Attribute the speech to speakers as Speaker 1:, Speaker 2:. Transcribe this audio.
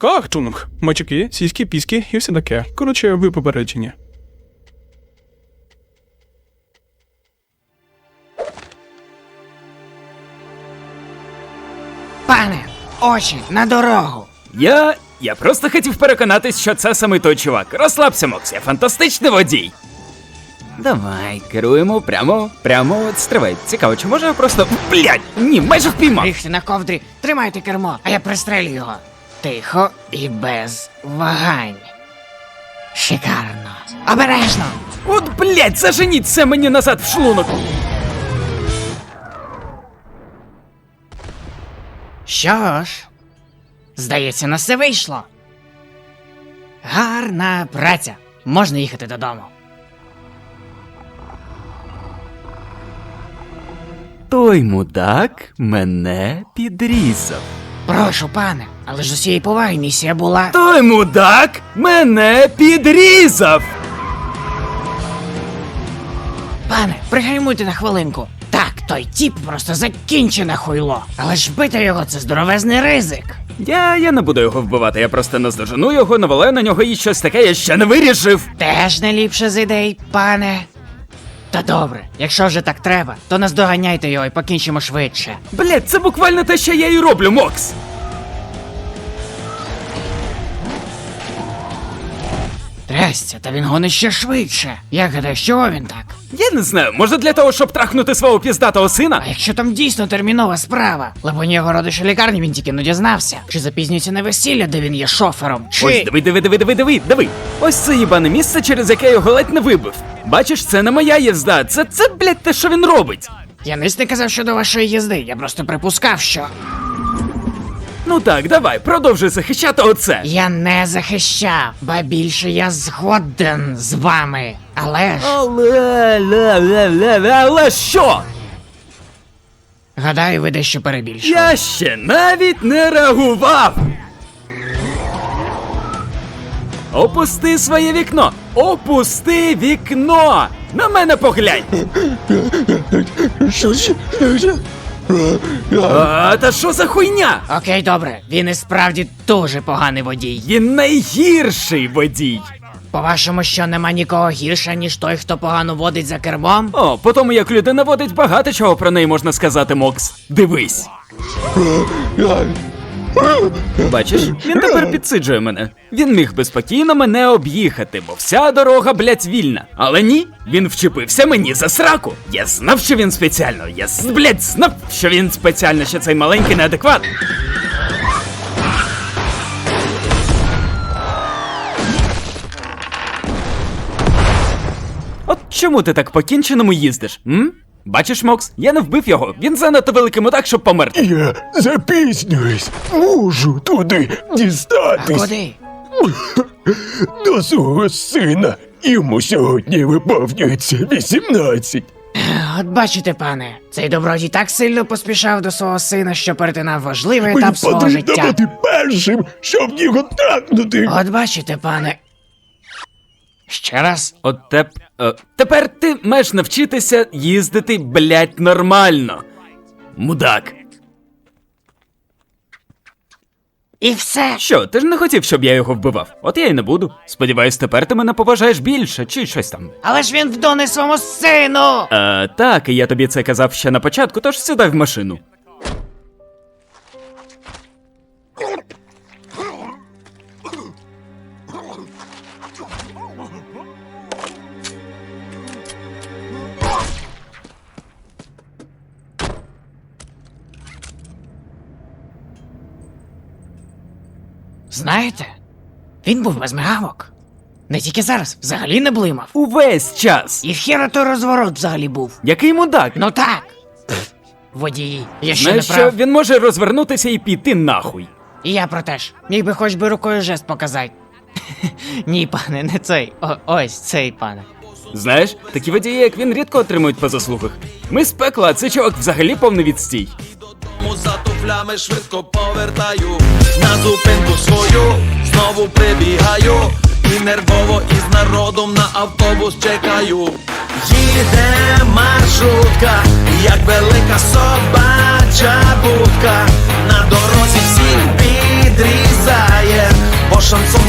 Speaker 1: Кахтунг. Мачки, сіськи, піски і все таке. Коротше, ви попереджені.
Speaker 2: Пане, очі на дорогу.
Speaker 3: Я просто хотів переконатись, що це саме той чувак. Розслабся, Мокс, я фантастичний водій. Давай, керуємо прямо, от стривай. Цікаво, чи може я просто... Блядь, ні, майже впіймав.
Speaker 2: Ріхти на ковдрі, тримайте кермо, а я пристрелю його. Тихо і без вагань. Шикарно. Обережно.
Speaker 3: От, блядь, заженіть це мені назад в шлунок.
Speaker 2: Що ж, здається, на все вийшло. Гарна праця. Можна їхати додому.
Speaker 3: Той мудак мене підрізав.
Speaker 2: Прошу, пане, але ж з усієї поваги місія була...
Speaker 3: Той мудак мене підрізав!
Speaker 2: Пане, пригальмуйте на хвилинку. Так, той тіп просто закінчене хуйло. Але ж бити його — це здоровезний ризик.
Speaker 3: Я не буду його вбивати, я просто наздожену його, навалаю на нього і щось таке я ще не вирішив.
Speaker 2: Теж не ліпше з ідей, пане. Та добре, якщо вже так треба, то наздоганяйте його і покінчимо швидше.
Speaker 3: Блядь, це буквально те, що я і роблю, Мокс.
Speaker 2: Трясця, та він гонить ще швидше. Я гадаю, чого він так?
Speaker 3: Я не знаю, може для того, щоб трахнути свого піздатого сина?
Speaker 2: А якщо там дійсно термінова справа? Либонь його родич у лікарні він тільки не дізнався. Чи запізнюється на весілля, де він є шофером, чи...
Speaker 3: Ось, диви. Ось це їбане місце, через яке я його ледь не вибив. Бачиш, це не моя їзда, це, блядь, те, що він робить.
Speaker 2: Я ниць не казав щодо вашої їзди, я просто припускав, що...
Speaker 3: Ну так, давай, продовжуй захищати оце.
Speaker 2: Я не захищав, ба більше я згоден з вами. Але ж...
Speaker 3: Але що?
Speaker 2: Гадаю, ви дещо перебільшили.
Speaker 3: Я ще навіть не реагував. Опусти своє вікно! Опусти вікно! На мене поглянь! Та що за хуйня?
Speaker 2: Окей, добре, він і справді дуже поганий водій.
Speaker 3: Він найгірший водій.
Speaker 2: По-вашому, що нема нікого гірше, ніж той, хто погано водить за кермом?
Speaker 3: О, по тому як людина водить, багато чого про неї можна сказати, Мокс. Дивись. Бачиш, він тепер підсиджує мене. Він міг би спокійно мене об'їхати, бо вся дорога, блядь, вільна. Але ні, він вчепився мені за сраку. Я знав, що він спеціально. Блядь, знав, що він спеціально, що цей маленький неадекват. От чому ти так по-кінченому їздиш, м? Бачиш, Мокс, я не вбив його, він занадто великий мудак, щоб померти.
Speaker 4: Я запізнююсь, можу туди
Speaker 2: А
Speaker 4: дістатись
Speaker 2: куди?
Speaker 4: до свого сина. Йому сьогодні виповнюється 18.
Speaker 2: От бачите, пане, цей добродій так сильно поспішав до свого сина, що перетинав важливий
Speaker 4: Мені
Speaker 2: етап свого
Speaker 4: потрібно
Speaker 2: життя.
Speaker 4: бути першим, щоб його трахнути.
Speaker 2: От бачите, пане. Ще раз.
Speaker 3: Тепер ти маєш навчитися їздити, блядь, нормально. Мудак.
Speaker 2: І все.
Speaker 3: Що, ти ж не хотів, щоб я його вбивав? От я й не буду. Сподіваюсь, тепер ти мене поважаєш більше, чи щось там.
Speaker 2: Але ж він вдоне своєму сину.
Speaker 3: Так, і я тобі це казав ще на початку, тож сідай в машину.
Speaker 2: Знаєте, він був без мигавок. Не тільки зараз, взагалі не блимав.
Speaker 3: Увесь час.
Speaker 2: І хіра той розворот взагалі був.
Speaker 3: Який мудак?
Speaker 2: Ну так. Водії, я ще
Speaker 3: Знаєш
Speaker 2: не
Speaker 3: що,
Speaker 2: прав.
Speaker 3: він може розвернутися і піти нахуй.
Speaker 2: І я про те ж. Міг би хоч би рукою жест показати. Ні, пане, не цей. Ось цей, пане.
Speaker 3: Знаєш, такі водії, як він, рідко отримують по заслугах. Ми з пекла, а цей чувак взагалі повний відстій.
Speaker 5: За туфлями швидко повертаю, на зупинку свою знову прибігаю, і нервово із народом на автобус чекаю. Їде маршрутка, як велика собача будка, на дорозі всіх підрізає. шансон.